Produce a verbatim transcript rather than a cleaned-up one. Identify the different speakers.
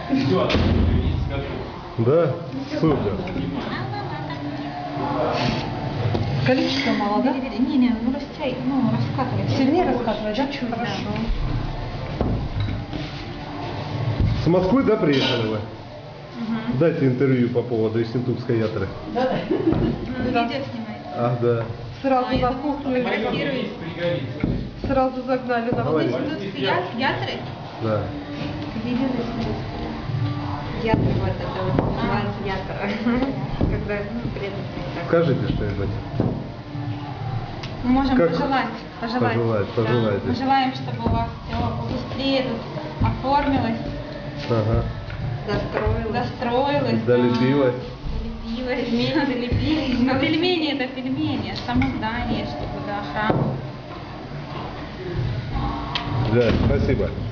Speaker 1: Все,
Speaker 2: Да? Супер.
Speaker 3: Количество мало, да?
Speaker 4: Не, не, ну растягивай, ну раскатывай.
Speaker 3: Сильнее раскатывать, да?
Speaker 4: Чуть-чуть,
Speaker 3: Хорошо.
Speaker 2: С Москвы, да, приехали вы?
Speaker 4: Угу.
Speaker 2: Дайте интервью по поводу Ессентукской ятры.
Speaker 3: Да, да.
Speaker 4: Ну,
Speaker 3: Да.
Speaker 4: видео снимает.
Speaker 2: Ах, да.
Speaker 3: Сразу
Speaker 4: А, я
Speaker 3: на
Speaker 4: думала,
Speaker 3: кухню.
Speaker 4: фотографирует.
Speaker 3: Сразу загнали на
Speaker 2: Давай.
Speaker 3: кухню.
Speaker 4: Индусские ятры?
Speaker 2: Да.
Speaker 4: Видео снимает. Ятр вот это вот называется ятр. Когда, ну, предметы.
Speaker 2: Скажите что-нибудь.
Speaker 4: Мы можем
Speaker 2: Как?
Speaker 4: пожелать. Пожелать.
Speaker 2: Пожелать,
Speaker 4: Да.
Speaker 2: пожелайте.
Speaker 4: Мы желаем, чтобы у вас все побыстрее тут оформилось,
Speaker 2: Ага.
Speaker 4: достроилось, достроилось,
Speaker 2: Долепилось.
Speaker 4: да, долепилось, пельмени долепились. Но пельмени это пельмени, само здание, чтобы да, храм.
Speaker 2: Да, спасибо.